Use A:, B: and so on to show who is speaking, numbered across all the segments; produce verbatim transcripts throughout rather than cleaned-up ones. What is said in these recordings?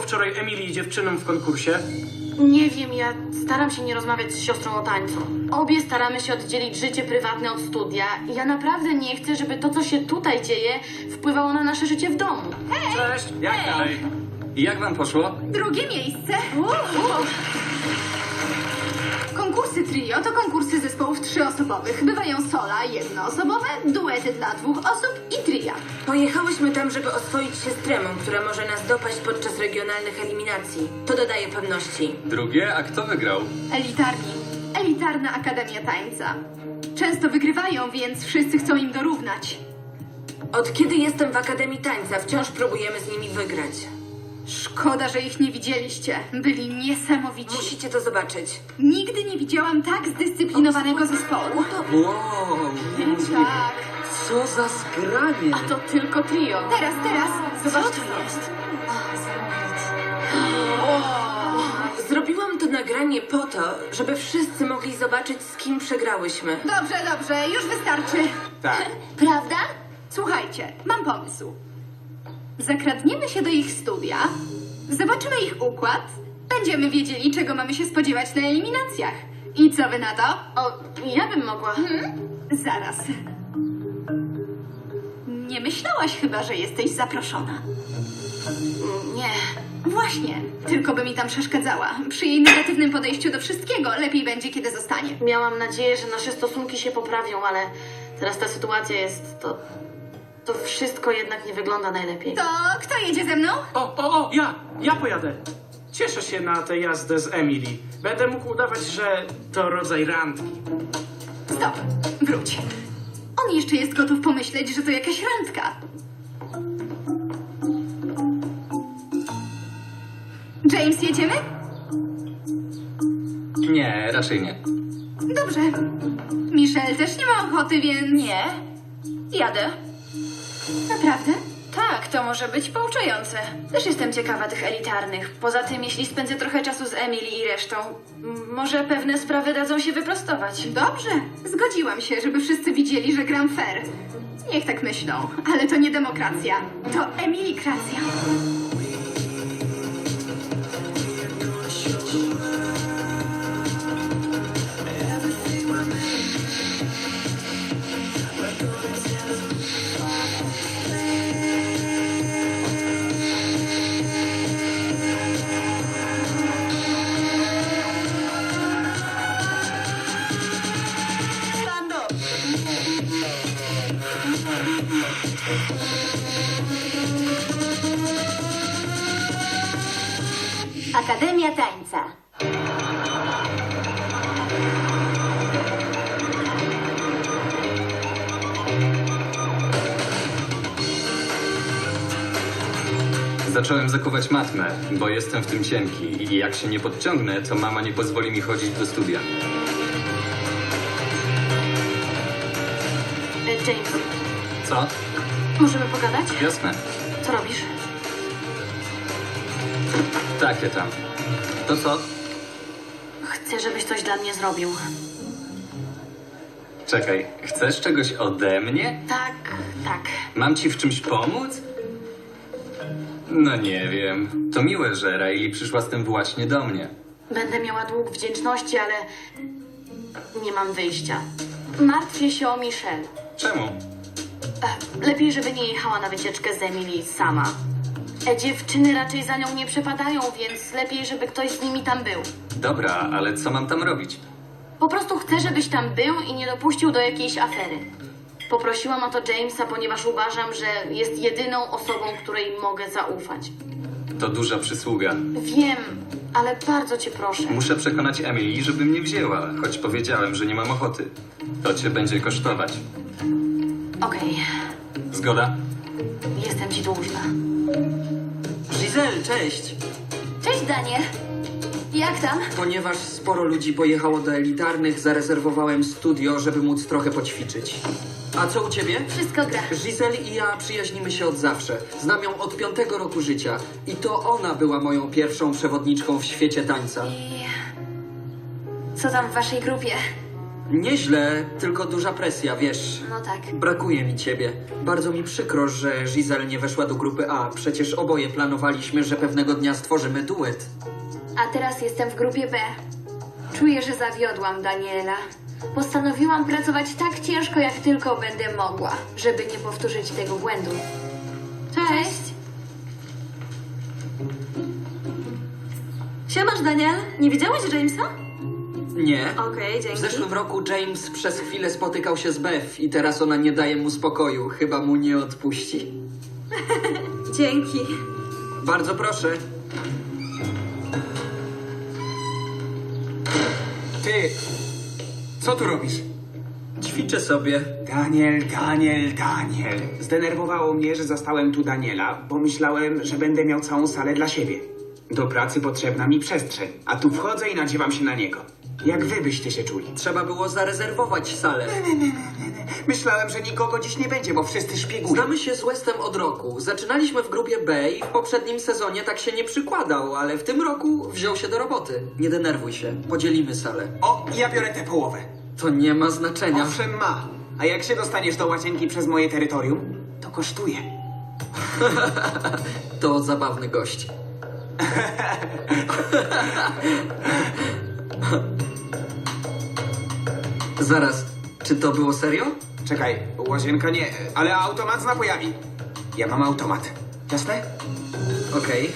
A: wczoraj Emily i dziewczynom w konkursie?
B: Nie wiem, ja staram się nie rozmawiać z siostrą o tańcu. Obie staramy się oddzielić życie prywatne od studia i ja naprawdę nie chcę, żeby to, co się tutaj dzieje, wpływało na nasze życie w domu.
A: Cześć, jak dalej?
C: I jak wam poszło?
D: Drugie miejsce. Konkursy trio to konkursy zespołów trzyosobowych. Bywają sola jednoosobowe, duety dla dwóch osób i tria.
E: Pojechałyśmy tam, żeby oswoić się z tremą, która może nas dopaść podczas regionalnych eliminacji. To dodaje pewności.
C: Drugie? A kto wygrał?
D: Elitarni. Elitarna Akademia Tańca. Często wygrywają, więc wszyscy chcą im dorównać.
E: Od kiedy jestem w Akademii Tańca, wciąż próbujemy z nimi wygrać.
D: Szkoda, że ich nie widzieliście. Byli niesamowici.
E: Musicie to zobaczyć.
D: Nigdy nie widziałam tak zdyscyplinowanego zespołu.
F: Wow,
D: Tak.
F: co za zgranie!
B: A to tylko trio.
D: Teraz, teraz.
B: Co to jest?
E: Zrobiłam to nagranie po to, żeby wszyscy mogli zobaczyć, z kim przegrałyśmy.
D: Dobrze, dobrze, już wystarczy.
A: Tak.
D: Prawda? Słuchajcie, mam pomysł. Zakradniemy się do ich studia, zobaczymy ich układ, będziemy wiedzieli, czego mamy się spodziewać na eliminacjach. I co wy na to?
B: O, ja bym mogła.
D: Hmm? Zaraz. Nie myślałaś chyba, że jesteś zaproszona.
B: Nie.
D: Właśnie, tylko by mi tam przeszkadzała. Przy jej negatywnym podejściu do wszystkiego lepiej będzie, kiedy zostanie.
B: Miałam nadzieję, że nasze stosunki się poprawią, ale teraz ta sytuacja jest to... To wszystko jednak nie wygląda najlepiej.
D: To kto jedzie ze mną?
A: O, o, o, ja! Ja pojadę. Cieszę się na tę jazdę z Emily. Będę mógł udawać, że to rodzaj randki.
D: Stop, wróć. On jeszcze jest gotów pomyśleć, że to jakaś randka. James, jedziemy?
C: Nie, raczej nie.
D: Dobrze. Michelle też nie ma ochoty, więc...
G: Nie. Jadę.
D: Naprawdę?
G: Tak, to może być pouczające. Też jestem ciekawa tych elitarnych. Poza tym, jeśli spędzę trochę czasu z Emily i resztą, m- może pewne sprawy dadzą się wyprostować.
D: Dobrze. Zgodziłam się, żeby wszyscy widzieli, że gram fair. Niech tak myślą, ale to nie demokracja. To Emilikracja.
H: Akademia Tańca.
C: Zacząłem zakuwać matmę, bo jestem w tym cienki i jak się nie podciągnę, to mama nie pozwoli mi chodzić do studia.
B: E, James,
C: Co?
B: możemy pogadać?
C: Jasne.
B: Co robisz?
C: Takie tam. To co?
B: Chcę, żebyś coś dla mnie zrobił.
C: Czekaj, chcesz czegoś ode mnie?
B: Tak, tak.
C: Mam ci w czymś pomóc? No nie wiem. To miłe, że Riley przyszła z tym właśnie do mnie.
B: Będę miała dług wdzięczności, ale nie mam wyjścia. Martwię się o Michelle.
C: Czemu?
B: E, Lepiej, żeby nie jechała na wycieczkę z Emily sama. E, Dziewczyny raczej za nią nie przepadają, więc lepiej, żeby ktoś z nimi tam był.
C: Dobra, ale co mam tam robić?
B: Po prostu chcę, żebyś tam był i nie dopuścił do jakiejś afery. Poprosiłam o to Jamesa, ponieważ uważam, że jest jedyną osobą, której mogę zaufać.
C: To duża przysługa.
B: Wiem, ale bardzo cię proszę.
C: Muszę przekonać Emily, żeby mnie wzięła, choć powiedziałem, że nie mam ochoty. To cię będzie kosztować.
B: Okej,
C: Zgoda?
B: jestem ci dłużna.
F: Giselle, cześć!
H: Cześć, Daniel. Jak tam?
F: Ponieważ sporo ludzi pojechało do elitarnych, zarezerwowałem studio, żeby móc trochę poćwiczyć. A co u ciebie?
H: Wszystko gra.
F: Giselle i ja przyjaźnimy się od zawsze. Znam ją od piątego roku życia. I to ona była moją pierwszą przewodniczką w świecie tańca.
H: I... Co tam w waszej grupie?
F: Nieźle, tylko duża presja, wiesz.
B: No tak.
F: Brakuje mi ciebie. Bardzo mi przykro, że Giselle nie weszła do grupy A. Przecież oboje planowaliśmy, że pewnego dnia stworzymy duet.
H: A teraz jestem w grupie B. Czuję, że zawiodłam Daniela. Postanowiłam pracować tak ciężko, jak tylko będę mogła, żeby nie powtórzyć tego błędu.
B: Cześć.
I: Siemasz, Daniel. Nie widziałeś Jamesa?
F: Nie.
I: Okej,
F: W
I: dzięki.
F: zeszłym roku James przez chwilę spotykał się z Beth i teraz ona nie daje mu spokoju. Chyba mu nie odpuści.
I: Dzięki.
F: Bardzo proszę.
J: Ty, co tu robisz?
F: Ćwiczę sobie.
J: Daniel, Daniel, Daniel. Zdenerwowało mnie, że zastałem tu Daniela, bo myślałem, że będę miał całą salę dla siebie. Do pracy potrzebna mi przestrzeń, a tu wchodzę i nadziewam się na niego. Jak wy byście się czuli?
F: Trzeba było zarezerwować salę.
J: Myślałem, że nikogo dziś nie będzie, bo wszyscy szpiegują.
F: Znamy się z Westem od roku. Zaczynaliśmy w grupie B i w poprzednim sezonie tak się nie przykładał, ale w tym roku wziął się do roboty. Nie denerwuj się. Podzielimy salę.
J: O, ja biorę tę połowę.
F: To nie ma znaczenia.
J: Owszem ma. A jak się dostaniesz do łazienki przez moje terytorium, to kosztuje.
F: To zabawny gość. Zaraz, czy to było serio?
J: Czekaj, łazienka nie, ale automat z napojami. Ja mam automat. Jasne?
F: Okej.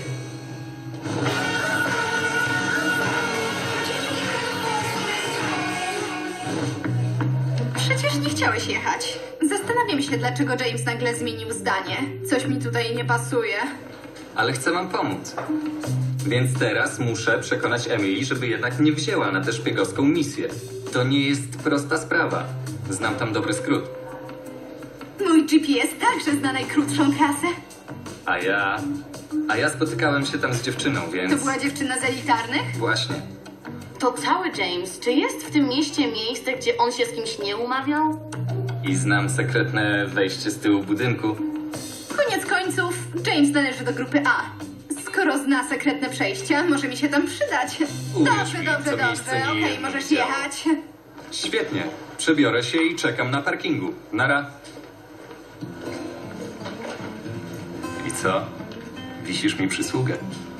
D: Przecież nie chciałeś jechać. Zastanawiam się, dlaczego James nagle zmienił zdanie. Coś mi tutaj nie pasuje.
C: Ale chcę wam pomóc. Więc teraz muszę przekonać Emily, żeby jednak nie wzięła na tę szpiegowską misję. To nie jest prosta sprawa. Znam tam dobry skrót.
D: Mój G P S także zna najkrótszą trasę.
C: A ja... A ja spotykałem się tam z dziewczyną, więc...
D: To była dziewczyna z elitarnych?
C: Właśnie.
B: To cały James. Czy jest w tym mieście miejsce, gdzie on się z kimś nie umawiał?
C: I znam sekretne wejście z tyłu budynku.
D: Koniec końców, James należy do grupy A. Skoro zna sekretne przejścia, może mi się tam przydać.
C: Uwierz
D: Dobrze,
C: mi,
D: dobrze,
C: to
D: dobrze.
C: miejsce nie
D: Okej,
C: jedno
D: możesz
C: widziało.
D: jechać.
C: Świetnie. Przebiorę się i czekam na parkingu. Nara. I co? Wisisz mi przysługę.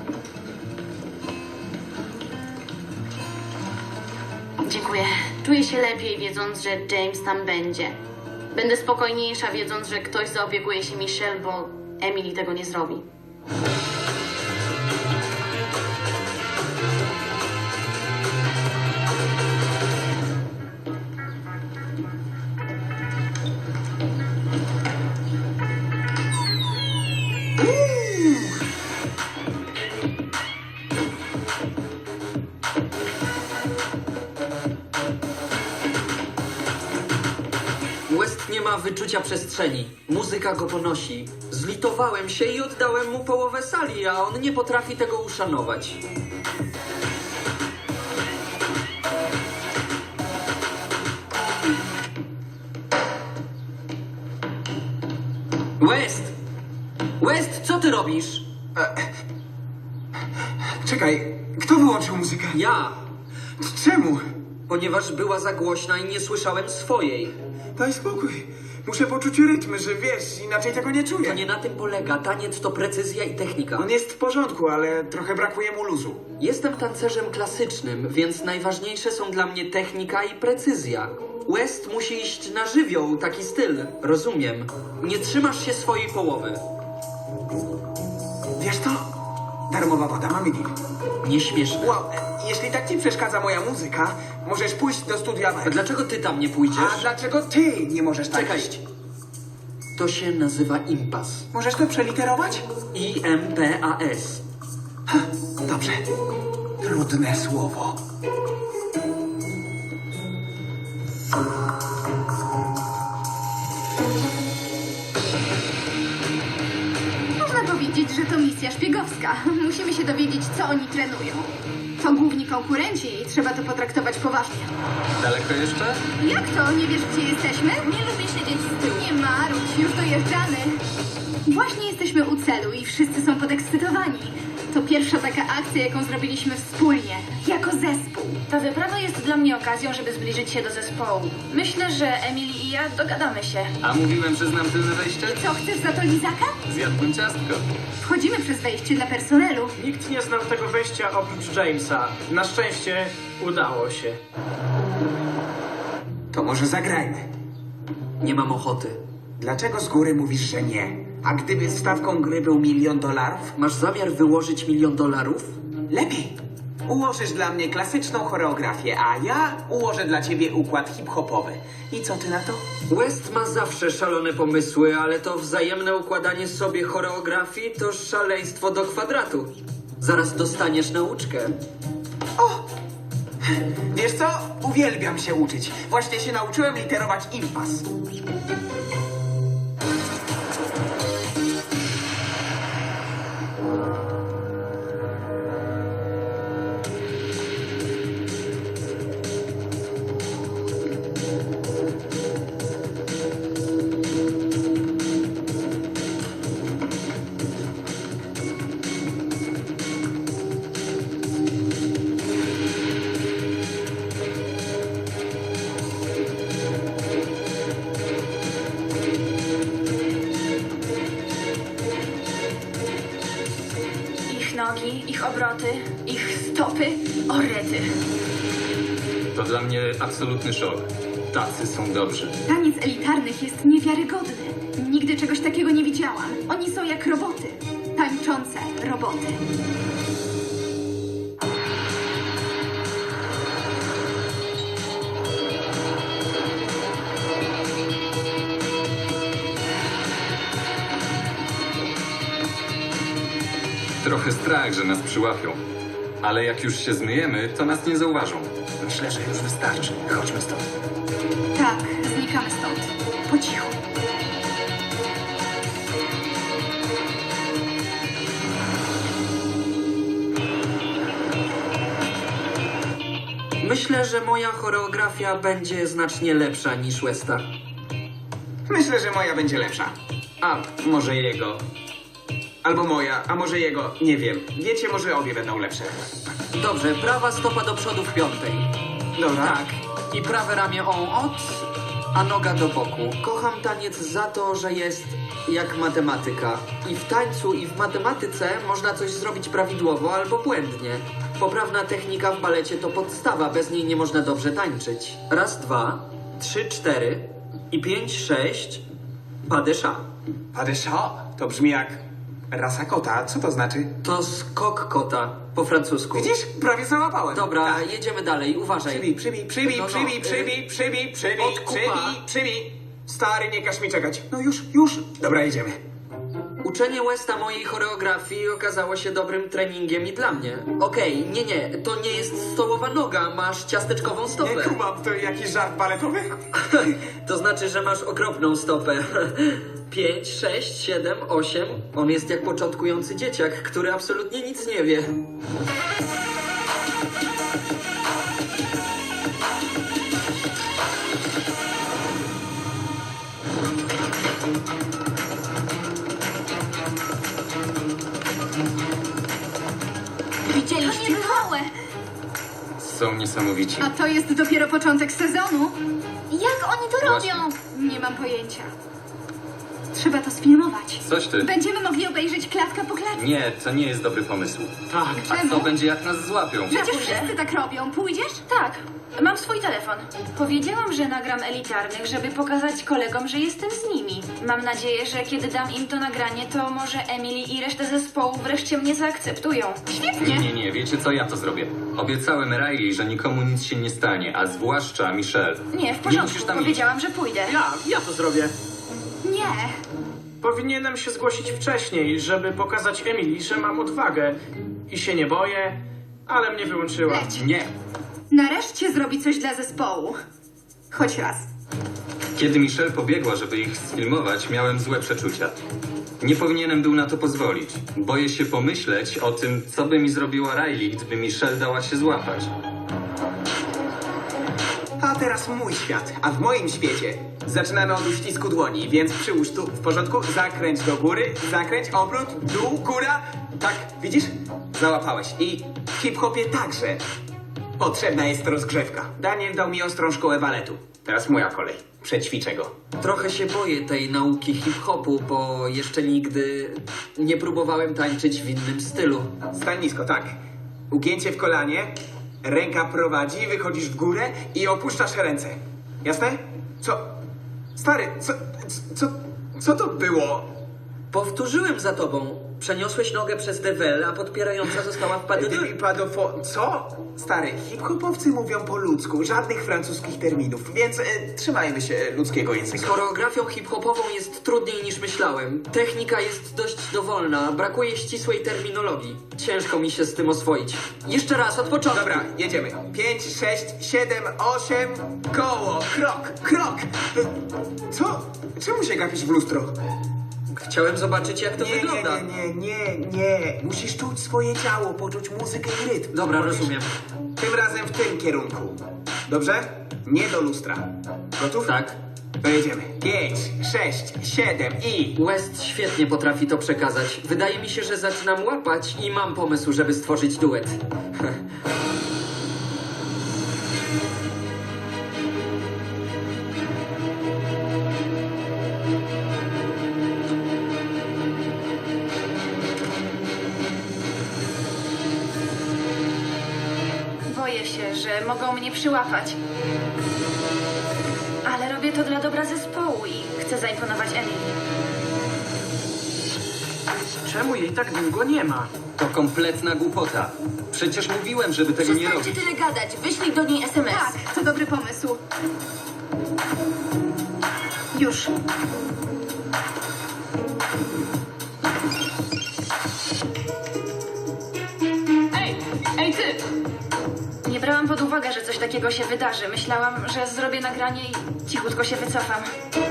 B: Dziękuję. Czuję się lepiej, wiedząc, że James tam będzie. Będę spokojniejsza, wiedząc, że ktoś zaopiekuje się Michelle, bo Emily tego nie zrobi.
F: West nie ma wyczucia przestrzeni. Muzyka go ponosi. Zlitowałem się i oddałem mu połowę sali, a on nie potrafi tego uszanować. West! West, co ty robisz?
J: Czekaj, kto wyłączył muzykę?
F: Ja,
J: Czemu?
F: ponieważ była za głośna i nie słyszałem swojej.
J: Daj spokój. Muszę poczuć rytm, że wiesz, inaczej tego nie
F: To
J: czuję.
F: nie na tym polega. Taniec to precyzja i technika.
J: On jest w porządku, ale trochę brakuje mu luzu.
F: Jestem tancerzem klasycznym, więc najważniejsze są dla mnie technika i precyzja. West musi iść na żywioł, taki styl. Rozumiem. Nie trzymasz się swojej połowy.
J: Wiesz co? Darmowa woda, mamy deal.
F: Nieśmieszne.
J: Wow, jeśli tak ci przeszkadza moja muzyka, możesz pójść do studia
F: A
J: B.
F: dlaczego ty tam nie pójdziesz?
J: A dlaczego ty nie możesz tak
F: Czekaj.
J: iść?
F: To się nazywa impas.
J: Możesz to przeliterować?
F: I M P A S.
J: Dobrze. Trudne słowo.
D: Można powiedzieć, że to misja szpiegowska. Musimy się dowiedzieć, co oni trenują. To główni konkurenci i trzeba to potraktować poważnie.
C: Daleko jeszcze?
D: Jak to? Nie wiesz, gdzie jesteśmy? Nie lubię siedzieć z tyłu. Nie marudź, już dojeżdżamy. Właśnie jesteśmy u celu i wszyscy są podekscytowani. To pierwsza taka akcja, jaką zrobiliśmy wspólnie, jako zespół.
G: Ta wyprawa jest dla mnie okazją, żeby zbliżyć się do zespołu. Myślę, że Emily i ja dogadamy się.
C: A mówiłem, że znam tylne wejście?
D: Co, chcesz za to lizaka?
C: Zjadłem ciastko.
D: Wchodzimy przez wejście dla personelu.
A: Nikt nie znał tego wejścia oprócz Jamesa. Na szczęście udało się.
J: To może zagrajmy.
F: Nie mam ochoty.
J: Dlaczego z góry mówisz, że nie? A gdyby stawką gry był milion dolarów?
F: Masz zamiar wyłożyć milion dolarów?
J: Lepiej. Ułożysz dla mnie klasyczną choreografię, a ja ułożę dla ciebie układ hip-hopowy. I co ty na to?
F: West ma zawsze szalone pomysły, ale to wzajemne układanie sobie choreografii to szaleństwo do kwadratu. Zaraz dostaniesz nauczkę.
J: O! Wiesz co? Uwielbiam się uczyć. Właśnie się nauczyłem literować impas.
G: Ich nogi, ich obroty, ich stopy, orety.
C: To dla mnie absolutny szok. Tacy są dobrzy.
D: Taniec elitarnych jest niewiarygodny. Nigdy czegoś takiego nie widziałam. Oni są jak roboty. Tańczące roboty.
C: Trochę strach, że nas przyłapią. Ale jak już się zmyjemy, to nas nie zauważą. Myślę, że już wystarczy. Chodźmy stąd.
D: Tak, znikamy stąd. Po cichu.
F: Myślę, że moja choreografia będzie znacznie lepsza niż Westa.
J: Myślę, że moja będzie lepsza. A może jego. Albo moja, a może jego. Nie wiem. Wiecie, może obie będą lepsze.
F: Dobrze, prawa stopa do przodu w piątej.
J: Dobra.
F: Tak. I prawe ramię on od, a noga do boku. Kocham taniec za to, że jest jak matematyka. I w tańcu, i w matematyce można coś zrobić prawidłowo albo błędnie. Poprawna technika w balecie to podstawa, bez niej nie można dobrze tańczyć. Raz, dwa, trzy, cztery i pięć, sześć. Pas de chat.
J: Pas de chat? To brzmi jak rasa kota. Co to znaczy?
F: To skok kota po francusku.
J: Widzisz? Prawie załapałem.
F: Dobra,
J: Tak.
F: jedziemy dalej, uważaj.
J: Przybij, przybij, przybij,
F: No, no,
J: przybij,
F: y-
J: przybij, przybij, przybij,
F: Odkupa.
J: przybij, przybij. Stary, nie każ mi czekać. No już, już. Dobra, jedziemy.
F: Uczenie Westa mojej choreografii okazało się dobrym treningiem i dla mnie. Okej, nie, nie, to nie jest stołowa noga, masz ciasteczkową stopę.
J: Nie kumam, to jakiś żart baletowy?
F: To znaczy, że masz okropną stopę. Pięć, sześć, siedem, osiem. On jest jak początkujący dzieciak, który absolutnie nic nie wie.
D: Widzieliście? Małe.
C: Są niesamowici.
D: A to jest dopiero początek sezonu.
B: Jak oni to
C: Właśnie.
B: robią?
D: Nie mam pojęcia. Trzeba to sfilmować.
C: Coś ty.
D: Będziemy mogli obejrzeć klatka po klatce.
C: Nie, to nie jest dobry pomysł.
A: Tak.
C: A co będzie, jak nas złapią?
D: Przecież
G: pójdę.
D: wszyscy tak robią. Pójdziesz?
G: Tak, mam swój telefon. Powiedziałam, że nagram elitarnych, żeby pokazać kolegom, że jestem z nimi. Mam nadzieję, że kiedy dam im to nagranie, to może Emily i resztę zespołu wreszcie mnie zaakceptują.
C: Nie, nie, nie, wiecie co, ja to zrobię. Obiecałem Riley, że nikomu nic się nie stanie, a zwłaszcza Michelle.
G: Nie, w
C: Nie
G: porządku,
C: musisz tam iść.
G: powiedziałam, że pójdę.
A: Ja, ja to zrobię.
D: Nie.
A: Powinienem się zgłosić wcześniej, żeby pokazać Emily, że mam odwagę. I się nie boję, ale mnie wyłączyła.
D: Leć.
C: Nie.
D: Nareszcie zrobi coś dla zespołu. Choć raz.
C: Kiedy Michelle pobiegła, żeby ich sfilmować, miałem złe przeczucia. Nie powinienem był na to pozwolić. Boję się pomyśleć o tym, co by mi zrobiła Riley, gdyby Michelle dała się złapać.
J: A teraz mój świat, a w moim świecie zaczynamy od uścisku dłoni, więc przyłóż tu, w porządku, zakręć do góry, zakręć, obrót, dół, góra. Tak, widzisz? Załapałeś. I w hip-hopie także potrzebna jest rozgrzewka. Daniel dał mi ostrą szkołę baletu. Teraz moja kolej. Przećwiczę go.
F: Trochę się boję tej nauki hip-hopu, bo jeszcze nigdy nie próbowałem tańczyć w innym stylu.
J: Stań nisko, tak. Ugięcie w kolanie, ręka prowadzi, wychodzisz w górę i opuszczasz ręce. Jasne? Co? Stary, co, co, co to było?
F: Powtórzyłem za tobą. Przeniosłeś nogę przez dewel, a podpierająca została w padydle.
J: Padofo... Co? Stary, hip-hopowcy mówią po ludzku, żadnych francuskich terminów, więc e, trzymajmy się ludzkiego
F: Z
J: języka.
F: choreografią hip-hopową jest trudniej niż myślałem. Technika jest dość dowolna, brakuje ścisłej terminologii. Ciężko mi się z tym oswoić. Jeszcze raz, od początku.
J: Dobra, jedziemy. Pięć, sześć, siedem, osiem, koło, krok, krok. E, Co? Czemu się gapisz w lustro?
F: Chciałem zobaczyć, jak to
J: Nie, nie,
F: wygląda.
J: nie, nie, nie, nie. Musisz czuć swoje ciało, poczuć muzykę i rytm.
F: Dobra,
J: Powiesz,
F: rozumiem.
J: Tym razem w tym kierunku. Dobrze? Nie do lustra. Gotów?
F: Tak.
J: To jedziemy. Pięć, sześć, siedem i...
F: West świetnie potrafi to przekazać. Wydaje mi się, że zaczynam łapać i mam pomysł, żeby stworzyć duet.
G: Boję się, że mogą mnie przyłapać. Ale robię to dla dobra zespołu i chcę zaimponować Emily.
A: Czemu jej tak długo nie ma?
C: To kompletna głupota. Przecież mówiłem, żeby tego nie
E: Przestańcie
C: robić.
E: tyle gadać. Wyślij do niej es em es.
D: Tak, to dobry pomysł. Już.
B: Ej, ej ty!
G: Nie brałam pod uwagę, że coś takiego się wydarzy. Myślałam, że zrobię nagranie i cichutko się wycofam.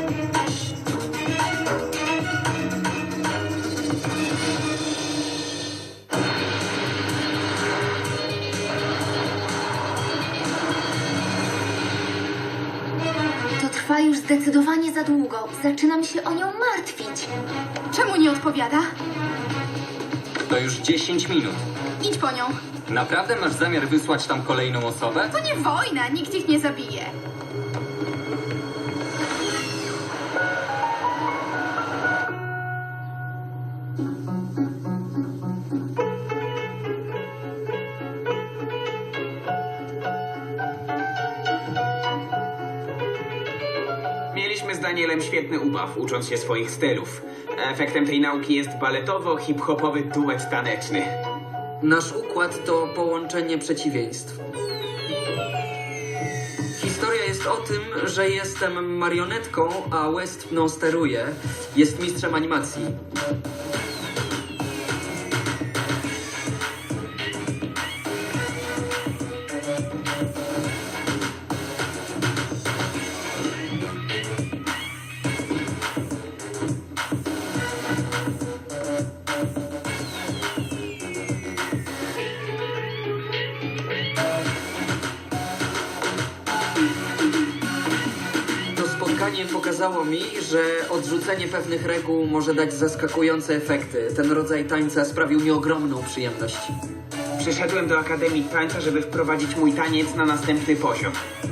H: To trwa już zdecydowanie za długo. Zaczynam się o nią martwić.
D: Czemu nie odpowiada?
C: To już dziesięć minut.
D: Idź po nią.
C: Naprawdę masz zamiar wysłać tam kolejną osobę?
D: To nie wojna, nikt ich nie zabije.
J: Mieliśmy z Danielem świetny ubaw, ucząc się swoich stylów. Efektem tej nauki jest baletowo-hip-hopowy duet taneczny.
F: Nasz układ to połączenie przeciwieństw. Historia jest o tym, że jestem marionetką, a West mną steruje. Jest mistrzem animacji. To spotkanie pokazało mi, że odrzucenie pewnych reguł może dać zaskakujące efekty. Ten rodzaj tańca sprawił mi ogromną przyjemność.
J: Przyszedłem do Akademii Tańca, żeby wprowadzić mój taniec na następny poziom.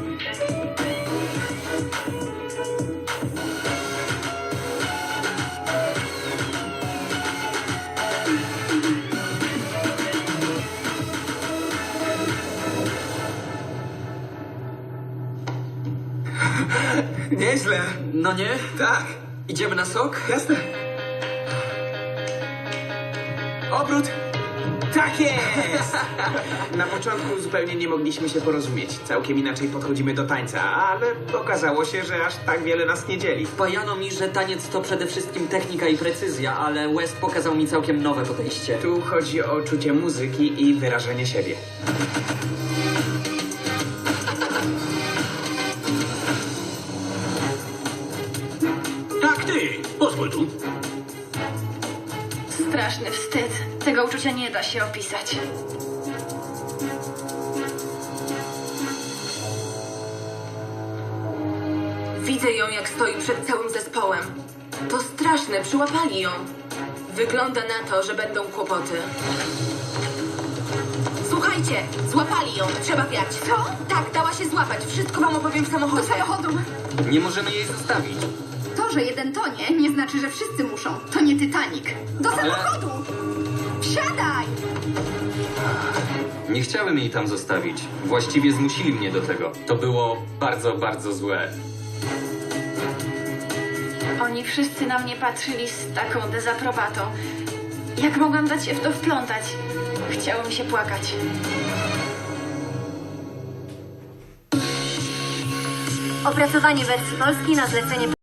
J: Nieźle.
F: No nie?
J: Tak,
F: Idziemy na sok?
J: jasne. Obrót. Tak jest! Na początku zupełnie nie mogliśmy się porozumieć. Całkiem inaczej podchodzimy do tańca, ale okazało się, że aż tak wiele nas nie dzieli.
F: Wpajano mi, że taniec to przede wszystkim technika i precyzja, ale West pokazał mi całkiem nowe podejście.
J: Tu chodzi o czucie muzyki i wyrażenie siebie.
A: Tak, ty! Pozwól tu.
G: Straszny wstyd. Tego uczucia nie da się opisać.
E: Widzę ją, jak stoi przed całym zespołem. To straszne, przyłapali ją. Wygląda na to, że będą kłopoty. Słuchajcie, złapali ją, trzeba wiać. Co? Tak, dała się złapać. Wszystko wam opowiem w samochodzie.
D: Do samochodu.
C: Nie możemy jej zostawić.
D: To, że jeden tonie, nie znaczy, że wszyscy muszą. To nie Titanic. Do samochodu! Wsiadaj!
C: Nie chciałem jej tam zostawić. Właściwie zmusili mnie do tego. To było bardzo, bardzo złe.
G: Oni wszyscy na mnie patrzyli z taką dezaprobatą. Jak mogłam dać się w to wplątać? Chciało mi się płakać.
I: Opracowanie wersji polskiej na zlecenie